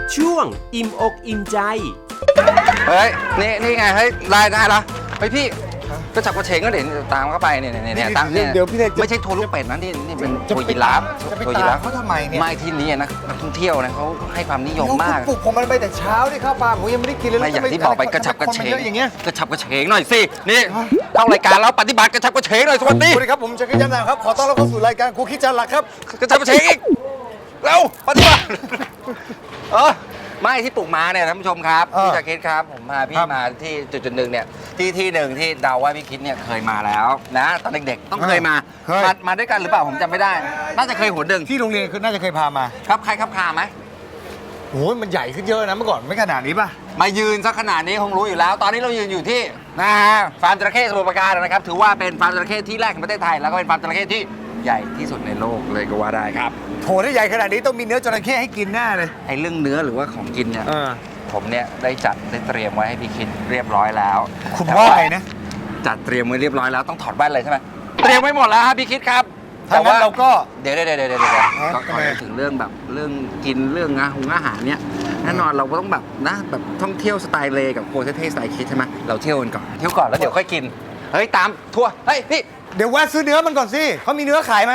ช่วงอิ่มอกอิ่มใจเฮ้ยนี่ไงเฮ้ยได้ละเฮ้ยพี่ก็จับกระเฉงก็เดี๋ยวตามเข้าไปเนี่ยตามเนี่ยเดี๋ยวพี่เล็กไม่ใช่ทัวร์ลูกเป็ดนะนี่เป็นทัวร์ยีราฟจะไปทัวร์ยีตาราม ฟเขาทำไมเนี่ยไม่ที่นี่นักท่องเที่ยวนะเขาให้ความนิยมมากปลุกผมมันไปแต่เช้าที่ข้าวปลาผมยังไม่ได้กินเลยไม่อย่างที่บอกไปกระฉับกระเฉงอย่างเงี้ยกระฉับกระเฉงหน่อยสินี่เข้ารายการแล้วปฏิบัติกระฉับกระเฉงหน่อยสวัสดีสวัสดีครับผมชักรยันนะครับขอต้อนรับเข้าสู่รายการครูคิดจานหลักครับกระฉับกระเฉงอีกเร็วปฏิบัติไม่ที่ปลูกม้าเนี่ยท่านผู้ชมครับพี่จะคิดครับผมพาพี่มาที่จุดหนึ่งเนี่ยที่หนึ่งที่เดาว่าพี่คิดเนี่ยเคยมาแล้วนะตอนเด็กๆต้องเคยมาด้วยกันหรือเปล่าผมจำไม่ได้น่าจะเคยหนหนึ่งที่โรงเรียนคือน่าจะเคยพามาครับใครครับคาไหมโอ้ยมันใหญ่ขึ้นเยอะนะเมื่อก่อนไม่ขนาดนี้ป่ะมายืนสักขนาดนี้คงรู้อยู่แล้ว ตอนนี้เรายืนอยู่ที่นะฮะฟาร์มจระเข้สมุทรปราการนะครับถือว่าเป็นฟาร์มจระเข้ที่แรกในประเทศไทยแล้วก็เป็นฟาร์มจระเข้ที่ใหญ่ที่สุดในโลกเลยก็ว่าได้ครับโถถ้าใหญ่ขนาดนี้ต้องมีเนื้อจระเข้ให้กินแน่เลยไอ้เรื่องเนื้อหรือว่าของกินเนี่ยผมเนี่ยได้เตรียมไว้ให้พี่คิดเรียบร้อยแล้วคุณว่าไงนะจัดเตรียมไว้เรียบร้อยแล้วต้องถอดแว่นเลยใช่ไหมเตรียมไว้หมดแล้วครับพี่คิดครับถ้างั้นเราก็เดี๋ยวก็ขอถึงเรื่องแบบเรื่องกินเรื่องอาหารเนี่ยแน่นอนเราก็ต้องแบบนะแบบท่องเที่ยวสไตล์เลกับโคเท่สไตล์คิดใช่ไหมเราเที่ยวกันก่อนแล้วเดี๋ยวค่อยกินเฮ้ยตามทัวร์เฮ้ยพี่เดี๋ยวแวะซื้อเนื้อมันก่อนสิเขามีเนื้อขายไหม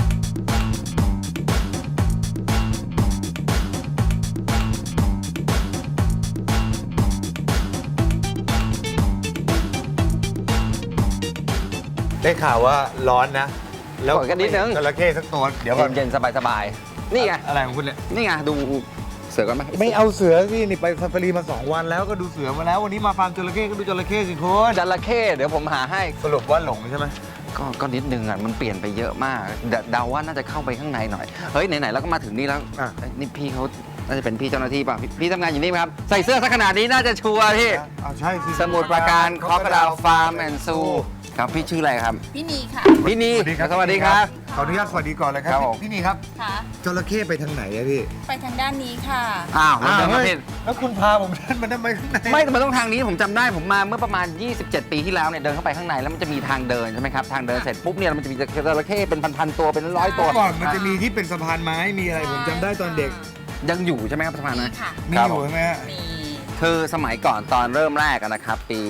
ได้ข่าวว่าร้อนนะแล้วกดกันนิดนึงจระเข้สักตัวเดี๋ยวก่อนเย็นๆสบายๆนี่ไงอะไรของคุณเนี่ยนี่ไงดูเสือกันไหมไม่เอาเสือสินี่ไปซาฟารีมา2 วันแล้วก็ดูเสือมาแล้ววันนี้มาฟาร์มจระเข้ก็ดูจระเข้สิคุณจระเข้เดี๋ยวผมหาให้สรุปว่าหลงใช่ไหมก็นิดนึงอ่ะมันเปลี่ยนไปเยอะมากเดาว่าน่าจะเข้าไปข้างในหน่อยเฮ้ยไหนๆแล้วก็มาถึงนี่แล้วนี่พี่เขาน่าจะเป็นพี่เจ้าหน้าที่ป่ะพี่ทำงานอยู่นี่ไหมครับใส่เสื้อสักขนาดนี้น่าจะชัวร์พี่ใช่สิสมุทรปราการคอกระดาฟาร์มแอนด์ซูครับพี่ชื่ออะไรครับพี่นีค่ะพี่นีสวัสดีครับขออนุญาตสวัสดีก่อนเลยคครัรับบผมพี่นี่ครับค่ะจระเข้ไปทางไหนอะพี่ไปทางด้านนี้ค่ะอ้าวมันเดินมาเฮ้ยผิดแล้วคุณพาผมเดินมาทำไมข้างในไม่แต่มันต้องทางนี้ผมจำได้ผมมาเมื่อประมาณ 27 ปีที่แล้วเนี่ยเดินเข้าไปข้างในแล้วมันจะมีทางเดินใช่ไหมครับทางเดินเสร็จปุ๊บเนี่ยมันจะมีจระเข้เป็นพันๆตัวเป็นร้อยตัวก่อนมันจะมีที่เป็นสะพานไม้มีอะไรผมจำได้ตอนเด็กยังอยู่ใช่ไหมครับสะพานมีนั้นค่ะมีอยู่ใช่ไหมฮะมีคือสมัยก่อนตอนเริ่มแรกอะนะครับปี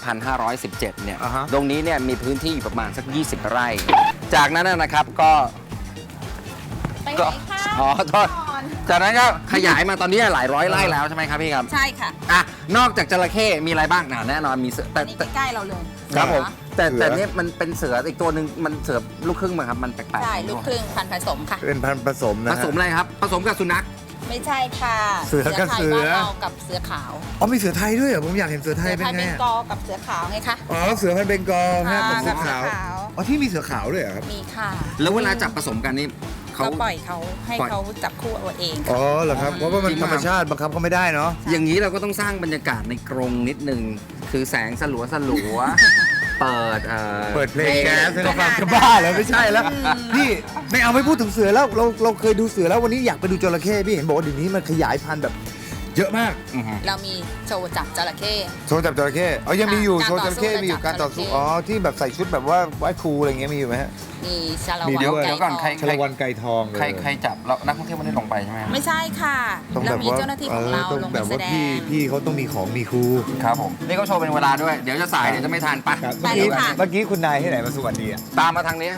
2517 เนี่ยอ่าฮะตรงนี้เนี่ยมีพื้นที่อยู่ประมาณสัก 20 ไร่ จากนั้นนะครับก็ไปไหนคะอ๋อโทษก่อนจากนั้นก็ขยายมาตอนนี้หลายร้อยไร่แล้วใช่ไหมครับพี่ครับใช่ค่ะอ่ะนอกจากจระเข้มีอะไรบ้างแน่นอนมีเสืออัแต่นนี้ใกล้ๆเราเลยครับผมเสือแต่เนี่ยมันเป็นเสืออีกตัวหนึ่งมันเสือลูกครึ่งมั้งครับมันแปลกๆใช่ลูกครึ่งพันธุ์ผสมค่ะเป็นพันธุ์ผสมนะผสมอะไรครับผสมกับสุนัขไม่ใช่ค่ะเสือกับไทยเสือบ้านเรากับเสือขาวอ๋อมีเสือไทยด้วยเหรอผมอยากเห็นเสือไทเสืยอเป็นไทยไงเป็นอะกอกับเสือขาวไงคะอ๋อเสือพันธุ์เบงกอลฮะค่ะกับเสือขาวกับเสือขาวอ๋อที่มีเสือขาวด้วยเหรอครับมีค่ะแล้วเวลาจับผสมกันนี่เขาก็ปล่อยเขาให้ปล่อยเขาจับคู่เอาเองอ๋อเหรอครับเพราะว่ามันจริงธรรมชาติบังคับเขาไม่ได้เนาะอย่างนี้เราก็ต้องสร้างบรรยากาศในกรงนิดนึงคือแสงสลัวเปิดเปิดเพลงแก๊สให้เราฟังจะบ้าเหรอไม่ใช่แล้วพี่ไม่เอาไม่พูดถึงเสือแล้วเราเคยดูเสือแล้ววันนี้อยากไปดูจระเข้พี่เห็นบอกว่าเดี๋ยวนี้มันขยายพันธุ์แบบเยอะมากเรามีโชว์จับจระเข้โชว์จับจระเข้อ๋อยังมีอยู่การโชว์จระเข้ต่อสู้มีอยู่การต่อสู้จับจระเข้อ๋อที่แบบใส่ชุดแบบว่าไหว้ครูอะไรเงี้ยมีอยู่ไหมฮะมีชาละมีวันเดี๋ยวไก่เดี๋ยวก่อนทองใครชลวันไก่ทองเลยใครจับแล้วนักท่องเที่ยวไม่ได้ลงไปใช่ไหมไม่ใช่ค่ะต้องแบเราบมีว่าเจ้าหน้าที่ของเราต้องลงแบไปบแสว่าดพี่งเขาต้องมีของมีครูครับผมนี่เขาโชว์เป็นเวลาด้วยเดี๋ยวจะสายเดี๋ยวจะไม่ทันปะครับไปเลยค่ะเมื่อกี้คุณนายที่ไหนมาสวัสดีอ่ะตามมาทางนี้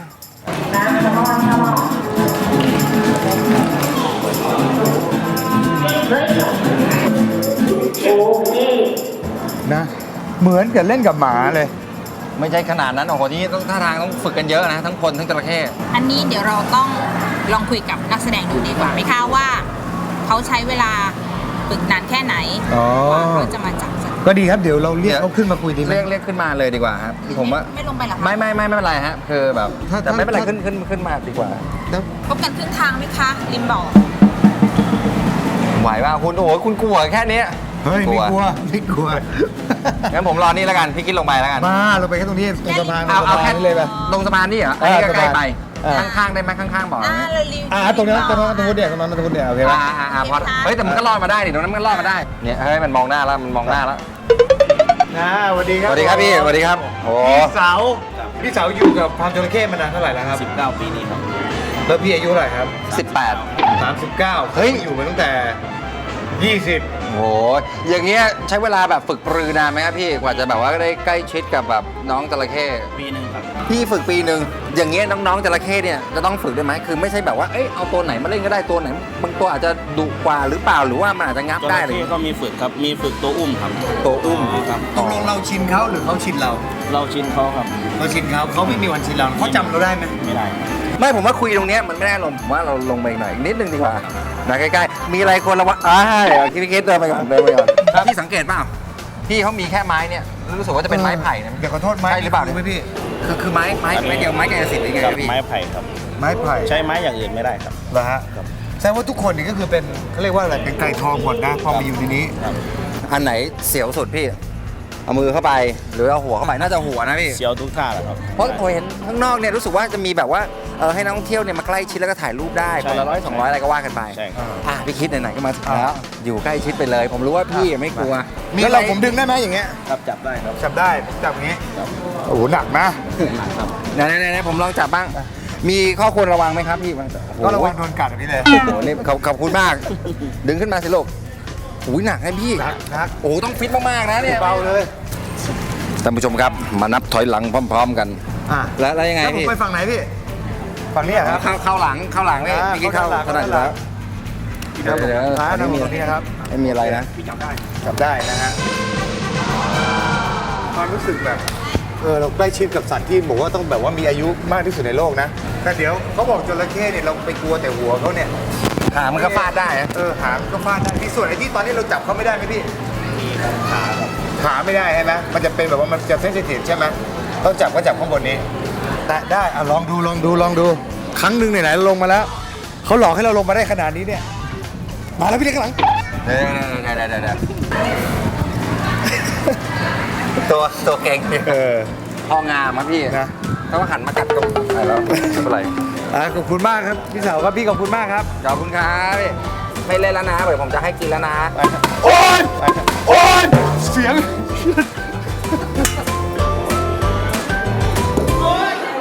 นะเหมือนกับเล่นกับหมาเลยไม่ใช่ขนาดนั้นโอ้โหนี่ต้องท่าทางต้องฝึกกันเยอะนะทั้งคนทั้งจระเข้อันนี้เดี๋ยวเราต้องลองคุยกับนักแสดงดูดีกว่าไหมคะว่าเขาใช้เวลาฝึกนานแค่ไหนอ๋อกว่าเขาจะมาจับสัตว์ก็ดีครับเดี๋ยวเราเรียกเขาขึ้นมาคุยดีไหมเรียกขึ้นมาเลยดีกว่าครับผมว่าไม่ลงไปหรอคะไม่เป็นไรฮะคือแบบถ้าแต่ไม่เป็นไรถ้าขึ้นมาดีกว่าแล้วพบกันครึ่งทางไหมคะริมบ่อไหวว่าคุณโอ้โหคุณกลัวแค่นี้เฮ้ยไม่กลัวไม่กลัวงั้นผมรอนี่แล้วกันพี่คิดลงไปแล้วกันมาเราไปแค่ตรงนี้ตรงสะพานเอาสะพาแค่นนี่เลยไปตรงสะพานนี่เหรออันนี้ก็ใกล้ไปอ่าข้างๆได้ไหมข้างๆบอกเราริมตรงนั้นตรงนู้นเนี่ยตรงนั้นตรงนู้นเนี่ยโอเคไหมพอเฮ้ยแต่มันก็รอดมาได้ดิตรงนั้นมันก็รอดมาได้เนี่ยเฮ้ยมันมองหน้าแล้วมันมองหน้าแล้วนะสวัสดีครับสวัสดีครับพี่สวัสดีครับโอ้พี่เสาอยู่กับฟาร์มจระเข้มานานเท่าไหร่แล้วครับ19 ปีนี้ครับแล้วพี่อายุเท่าไหร่ครับ 18 39 เฮ้ยอยู่มาตั้งแต่ 20 โอ้ยอย่างเงี้ยใช้เวลาแบบฝึกปรือนานไหมครับพี่กว่าจะแบบว่าได้ใกล้ชิดกับแบบน้องจระเข้ปีหนึ่งครับพี่ฝึกปีหนึ่งอย่างเงี้ยน้องๆจระเข้เนี่ยจะต้องฝึกด้วยไหมคือไม่ใช่แบบว่าเอ้ยเอาตัวไหนมาเล่นก็ได้ตัวไหนบางตัวอาจจะดุกว่าหรือเปล่าหรือว่ามันอาจจะงับจได้ระเลยเข้ก็มีฝึกครับ มีฝึกตัวอุ้มครับตัวอุ้มครับตกลงเราชินเขาหรือเขาชินเราเราชินเขาครับเราชินเขาไม่มีวันชินเราเขาจำเราได้ไหมไม่ได้ไม่ผมว่าคุยตรงเนี้ยมันไม่ได้ลงผมว่าเราลงไปอีกหน่อยอีกนิดนึงดีกว่านะใกล้ๆมีอะไรคนละวะเดี๋ยวพี่คิดเดินไปก่อนพี่สังเกตเปล่าพี่เขามีแค่ไม้เนี่ยรู้สึกว่าจะเป็นไม้ไผ่นะเดี๋ยวขอโทษไม้ใช่หรือเปล่าไหมพี่คือไม้เดียวไม้แกนสิทธิ์หรือไงกับพี่ไม้ไผ่ครับไม้ไผ่ใช้ไม้อย่างอื่นไม่ได้ครับเหรอฮะแสดงว่าทุกคนนี่ก็คือเป็นเขาเรียกว่าอะไรเป็นไก่ทองหมดนะพอมาอยู่ในนี้ครับอันไหนเสียวสุดพี่เอามือเข้าไปหรือเอาหัวเข้าไปน่าจะหัวนะพี่เสียวทุกท่าแหละครับเพราะผมเห็นข้างนอกเนี่ยรู้สึกว่าจะมีแบบว่าให้นักท่องเที่ยวเนี่ยมาใกล้ชิดแล้วก็ถ่ายรูปได้ใช่คนละ100-200อะไรก็ว่ากันไปใช่ครับพี่คิดไหนๆก็มาถึงแล้วอยู่ใกล้ชิดไปเลย ผมรู้ว่าพี่ไม่กลัวแล้วเราผมดึงได้ไหมอย่างเงี้ยครับจับได้ครับจับได้ผมจับอย่างงี้โอ้โหหนักนะครับไหนผมลองจับบ้าง มีข้อควรระวังไหมครับพี่โอ้โหก็ระวังโดนกัดแบบนี้เลยโอ้โหนี่ขอบคุณมาก ดึงขึ้นมาสิลูกโอ้ยหนักนะพี่หนักโอ้โหต้องฟิตมากๆนะเนี่ยเบาเลยท่านผู้ชมครับมานับถอยหลังพร้อม ๆ กันอ่ะแล้วยังไงแล้วผมพี่ไปฝั่งไหนพี่ฝั่งนี้เหรอครับเข้าหลังพี่อ่าพี่คิดเข้าเข้าถนัดอยู่หลัแล้งวเดี๋ยวร้านไม่นะมีตรงนี้นะครับไม่มีอะไรนะจับได้นะฮะความรู้สึกแบบเราใกล้ชิดกับสัตว์ที่บอกว่าต้องแบบว่ามีอายุมากที่สุดในโลกนะแต่เดี๋ยวเขาบอกจระเข้เนี่ยเราไปกลัวแต่หัวเขาเนี่ยหางมันก็ฟาดได้นะหางก็ฟาดได้ที่ส่วนไอ้ที่ตอนนี้เราจับเขาไม่ได้ไหมพี่ขาไม่ได้ใช่ไหมมันจะเป็นแบบว่ามันจะเซนซิทีฟใช่ไหมต้องจับก็จับข้างบนนี้แต่ได้ลองดูครั้งหนึ่งไหนๆเราลงมาแล้วเขาหลอกให้เราลงมาได้ขนาดนี้เนี่ยมาแล้วพี่เล็กข้างหลังเดี๋ยวตัวเก่งพองามครับพี่นะถ้าว่าหันมากัดก็ไปแล้วไม่เป็นไรขอบคุณมากครับพี่สาวครับพี่ขอบคุณมากครับขอบคุณครับพี่ไม่เล่นแล้วนะเดี๋ยวผมจะให้กินแล้วนะโอ๊ย